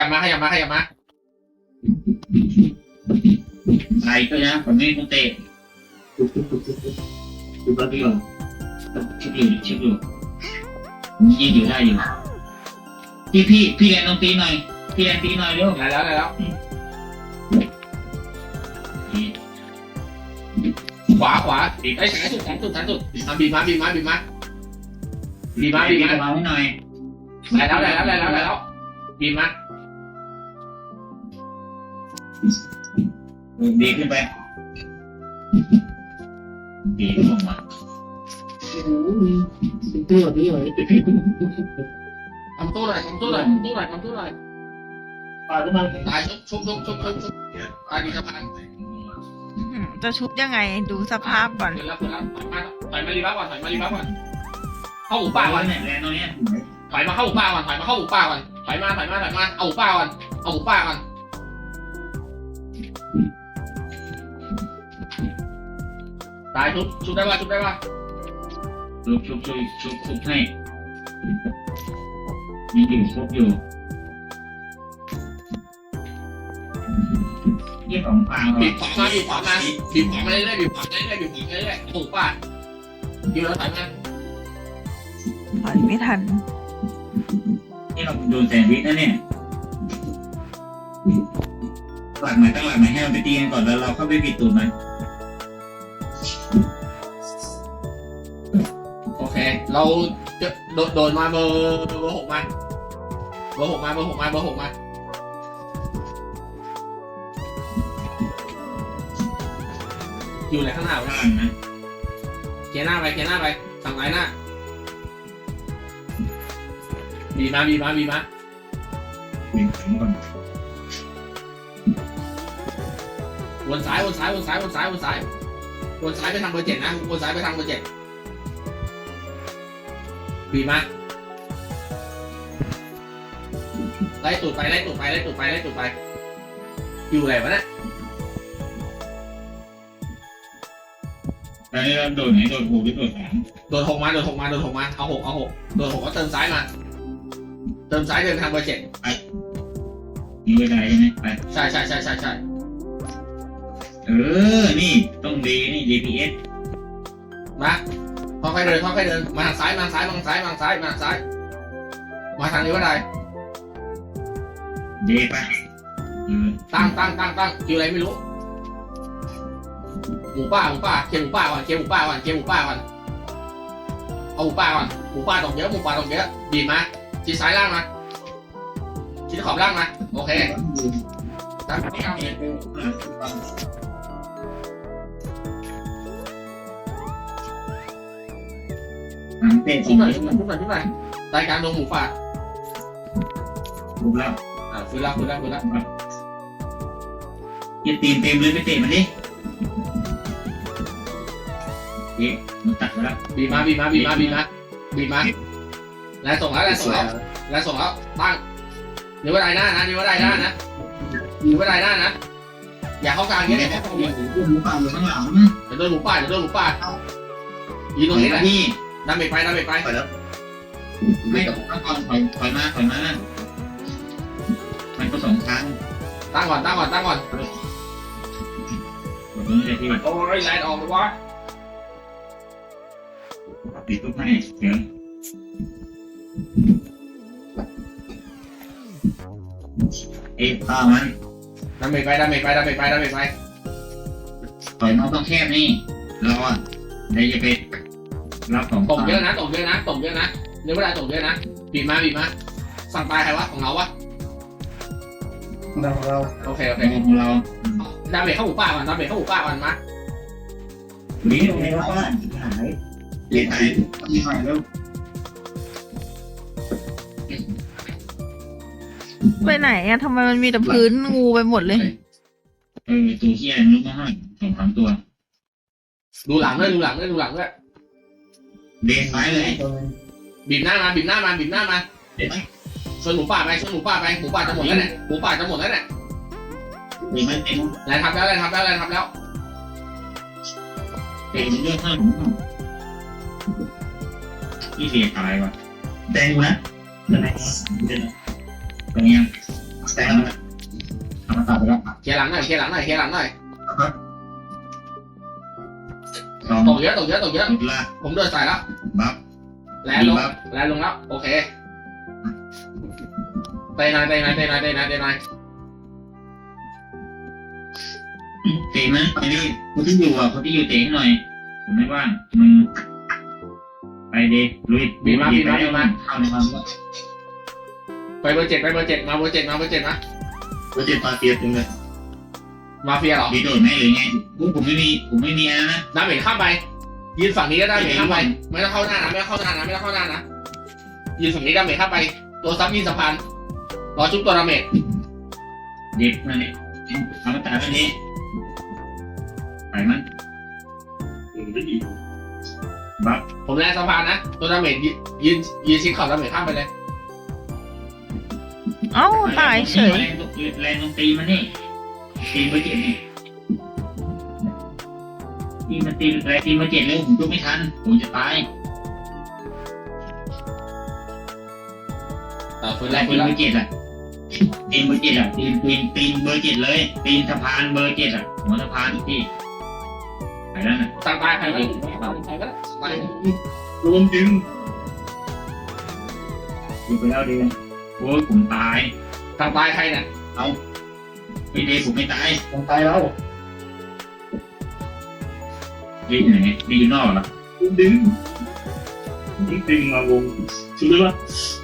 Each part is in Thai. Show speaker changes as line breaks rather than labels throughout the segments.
มาขยับมาขยับมา
ใครก็นะผมไม่ต้องเตะดูบ้าพี่หรอชิบอยู่ยิงอยู่ได้อยู่พี่แดนต้องตีหน่อยพี่แดนตีหน่อยเร็ว
ได้แล้วขวาไอ้แสนสุดบีบมาให้หน่อยได้แล้วบีบมา
ดีขึ้นไปดีลงมา
ทำตู้หน่อย
ปาดขึ้นมา
ตายชุบตายดีสะพาน
จะชุบยังไงดูสภาพก่อน
เดี๋ยวแล้วถอยมารีบัฟก่อนเข้าหมูป่าก่อน
แรงตรงนี้
ถอยมาเข้าหมูป่าก่อนถอยมาเอาหมูป่าก่อนตายชุบได้ป่ะ
ชุบให้มีอยู่ครบอยู่นี่ของปลา
บีบขวามาเรื่อยๆหมูป่าอยู่แล้วถอยมา
ถอยไม่ทัน
นี่เราโดนแซนด์วิชนะเนี่ยตั้งหลักใหม่ให้มันไปตีกันก่อนแล้วเราเข้าไปปิดตูดมัน
โอเคเราจะโดนมาเบอร์6มาอยู่ไหนข้างหน้า
นะ
เกียร์หน้าไปสั่งไหนหน้าบีมา
วิ่งก่อน
วนซ้ายไปทางเบอร์7นะวนซ้ายไปทางเบอร์7บีมาไล่ตูดไปอยู่ไหนวะเนี่ย
แล้วนี่เราโดนไหนโดนหูหรือโดนหาง
โดนหกมาเอา6โดน6ก็เติมซ้ายมาเดินทางเบอร์7
ไปมีเวลาใช่ไหมไป
ใช่
นี่ต้องดีนี่ DPS
มาค่อยๆเดินมาทางซ้ายมาทางนี้ก็ได้
ดีไป
ตั้งคิวอะไรไม่รู้หมูป่าเคลียร์หมูป่าก่อนเอาหมูป่าก่อนหมูป่าตกเยอะบีบมาชี้ซ้ายล่างมาชี้ขอบล่างมาโอเคตั้งที่เอาเนี่ยชุบหน่อยรายการลงหมูป่า
ถูกแล้ว
ฟื้นแล้ว
อย่าตีนเต็มเลยไปเตะมันดิมันตัดมาแล้ว
บีมาแล้วส่งแล้วตั้งนิ้วได้หน้านะอย่าเข้ากลางเงี้ยเนี่ย
หมูป่าอยู่ข้างหลัง
จะโดนหมูป่ายืนตรงนี้แหละดาเมจไป
แล้วไม่กับตั้งก่อนถอยมามันก็2ครั้ง
ตั้งก่อนโอ้ยแลนออกเลยวะ
ปิดตุ๊กให้เดี๋ยวข้ามัน
ดาเมจไป
ถอยมาต้องแคบนี่เราอ่ะเดี๋ยวจะไปรับของ
ตกเยอะนะเนื้อเวลาตกเยอะนะบีบมาสั่งตายใครวะของเราวะ
เรา
โอเค
ของเรา
ดาเมจเข้าหมูป่าก่อนมา
นี่ตรงนี้ว่าบ้านหายมีหายแล้ว
ไปไหนอะทำไมมันมีแต่พื้นงูไปหมดเลย
ตัวเหี้ยลุกมาให้2-3ตัว
ดูหลังด้วย
เบนไม้เลย
บีบหน้ามาชนหมูป่าไปหมูป่าจะหมดแล้วเนี่ย
มีไม่เต็ม
แรงทับแล้ว
เต็มเรื่องข้างที่เสียตายว่ะแดงนะตรงนี้แต่ทำมาตัดไปแล้ว
เคลียร์หลังหน่อยเคลียร์หลังหน่อยเคลียร์หลังหน่อย
สอง
ตกเยอะตกเยอะตกเยอะ
หมดละ
ผมเดินใส่แล้ว
บัฟ
แลนลงแลนลงแล้วโอเคเตะหน่อยเตะหน่อยเตะหน่อยเตะหน่อยเตะหน่อย
เตะนะไอ้นี่คนที่อยู่อ่ะคนที่อยู่เตะให้หน่อยผมไม่ว่างมึงไปดิลุยเข้าในมัน
ไปเบอร์เจ็ดไปเบอร์เจ็ดมาเบอร์เจ็ดมาเบอร์เจ็ดนะ
ก็จะมาเตียบจริงเลย
มาเฟียเหรอ
ดีโดดแม่หรือไงผมไม่มีอะไรนะ
น้ำเหม็นข้ามไปยืนฝั่งนี้ก็ได้เหม็นข้ามไปไม่ต้องเข้าหน้านะไม่ต้องเข้าหน้านะไม่ต้องเข้าหน้านะยืนฝั่งนี้ก็เหม็นข้ามไปตัวซับยิงสะพานรอชุบตัวดาเมจ
เด็กนั่นเนี่ยทำมาตัดอันนี้ไปมันบัฟ
ผมแลนสะพานนะตัวดาเมจยืนชิดขอบดาเมจข้ามไปเลย
เอ้าตายเฉย
แรงตรงตีมันนี่ตีมาเจ็ดนี่ตีมาตีแรงตีมาเจ็ดเลยผมดูไม่ทันผมจะตาย
ฟื้น
แร
แรง
ก
ฟื้
ตี
น
เบ
แล้
อร์เจ็ดอ่ะตีเบอร์เจ็ดอ่ะตีเบอร์เจ็ดเลยตีนสะพานเบอร์เจ็ดอ่ะหัวสะพานพี่ไปแล้วนะ
สั่งตายใครก็ได้ใครก็ได้ไป
รวมดึงดูไปแล้วดีโอ้ยผมตาย
สั่งตายใครเนี่ย
ไม่ดีผมไม่ตาย
สั่งตายแล้ว
ดีไหนดีอยู่นอกเหรอ
ดึงมาวงชุดเลยว่า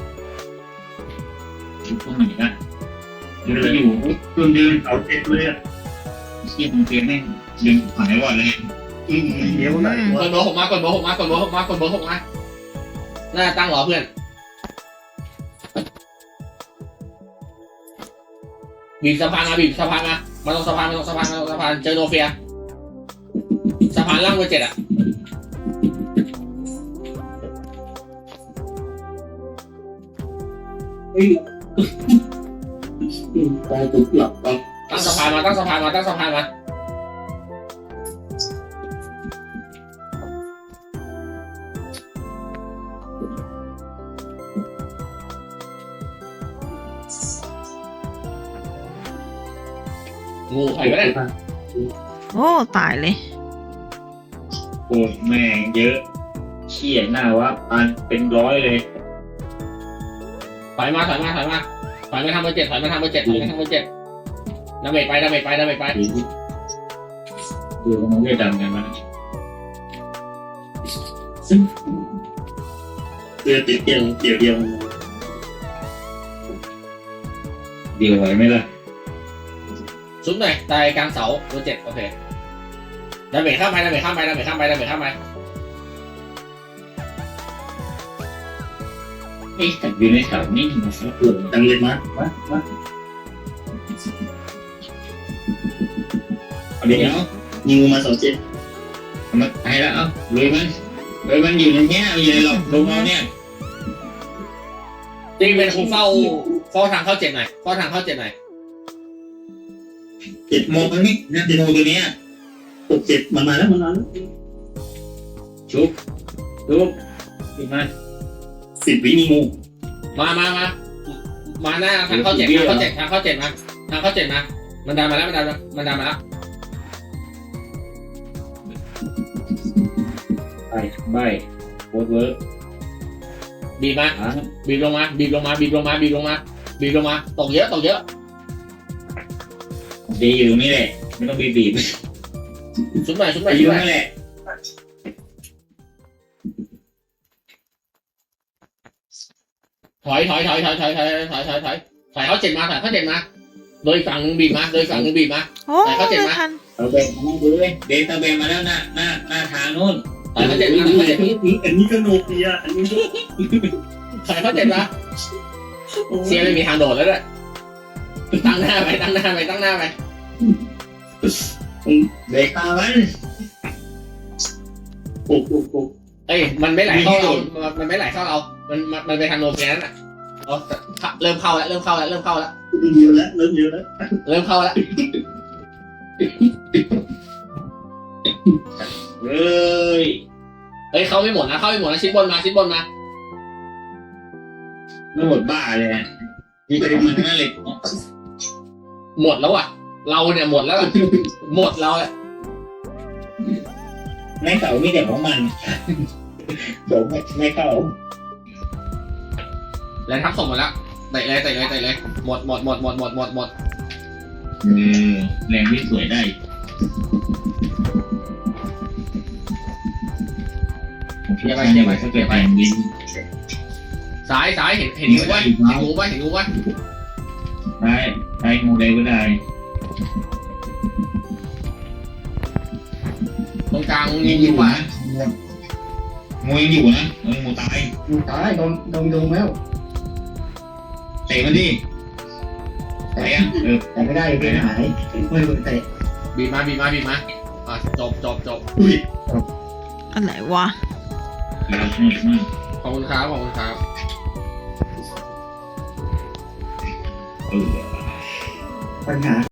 อยู่ตรงไหนนะมันจะอยู่ดึง
เอาเอ็ดเลยอ่ะ
เสียงเตียงแม่งดึงหายวอดเลย
เดี๋ยวไหน
กดเบอร์หกมากดเบอร์หกมากดเบอร์หกมากดเบอร์หกมาน่าตั้งรอเพื่อนบีบสะพานมาบีบสะพานมาตรงสะพานมาตรงสะพานมาตรงสะพานเจอโนเฟียสะพานล่างเบอร์เจ็ดอ่ะ
ตายตุกหลับไป
ตั้งสะพานมาตั้งสะพานมาตั้งสะพานมางูใครก็ได้
โอ้ตายเลย
โอ้ยแม่งเยอะเชี่ยหน้าวะปันเป็นร้อยเลย
ถอยมาถอยมาถอยมาถอยมาทำเบอร์เจ็ดถอยมาทำเบอร์เจ็ดถอยมาทำเบอร์เจ็ดดาเมจไปดาเมจไปดาเมจไป
ดูมันเรียกดังกันมัน
เสื้อติดเกี่ยวเดียว
เดียวไหวไหมล่ะ
ซุ้มหน่อยตายกลางเสาเบอร์เจ็ดโอเคดาเมจข้ามไปดาเมจข้ามไปดาเมจข้ามไปดาเมจข้ามไป
เอ๊ะแต่อยู่ในเสานี่มันสักเกิน
ดังเลยมา
เดี๋ยว
ยิงมา2 เจ็ด
มันตายแล้วเอ้าเลยมันอยู่ในเนี้ยอยู่ในหลอกลงเอาเนี่ย
จริงเป็นคงเฝ้าทางเข้าเจ็ดหน่อยเฝ้าทางเข้าเจ็ดหน่อย
โมงนี่นะโมตัวเนี้ย
6 7มันมาแล้ว
ชุบขึ้นมา
10 วิมีงู
มาหน้าทางเข้าเจ็ดทางเข้าเจ็ดทางเข้าเจ็ดมาทางเข้าเจ็ดมามันดันมาแล้วมันดันมาแล้ว
ใบโคตรเวิร์ก
บีบมาบีบลงมาบีบลงมาบีบลงมาบีบลงมาบีบลงมาตกเยอะตกเยอะ
ดีอยู่ตรงนี้แหละไม่ต้องบีบ
ชุบหน่อยชุบหน่อย
อ
ชุ
ยู่
บหน่อย
นั่นแหละ
ถอยเข้าเจ็ดมาโดยฝั่งนึงบีบมาโดยฝั่งนึงบีบมา
โอ้
แต่เขาเจ็บ
ไม่
ไหม
ทัน
เอาเบนมาดูเลยเดนตาเบนมาแล้วหน้าทางนู้น
ถอยเข้าเจ็ดมาถอยเข้าเจ็ดมา
อันนี้ก็โนเกียอันนี้
ถอยเข้าเจ็ดมาเซียไม่มีทางโดดแล้วด้วยตั้งหน้าไป
เบรกตามัน
โอ้โห
เอ้ยมันไม่ไหลเข้าเรามันไม่ไหลเข้าเรามันไปทางโนเฟียนั่นน่ะเริ่มเข้าแล้ว
เยอะแล้วเริ่มเยอะแล้ว
เริ่มเข้าแล้ว
เฮ้ย
เอ้ยเข้าไม่หมดนะชิ้นบนมา
ไม่หมดบ้าเลยนะมีแต่มันนั่นเลย
หมดแล้วอ่ะ เราเนี่ยหมดแล้วอะหมดเราแหละ
ไม่เก่ามีแต่ของมันเดี๋ยวไม่เก่า
แล้วทับส่งหมดแล้วเตะเลยหมด
แรงที่สวยได้ถ้าเกิดแรงวิน
ซ้ายเห็นงูป่ะเห็นงูป่ะ
ได้งูได้ก็ได้
ตรงกลางงูอยู่ป่ะ
งูยังอยู่นะงูตาย
ตายโดนแล้ว
เตะมันดิเตะ
แต่ไม่ได้เป็นหายไม่โดนเตะ
บีบมาจบ
อุ้ย
อะไรวะ
ขอบคุณครับ
ปัญหา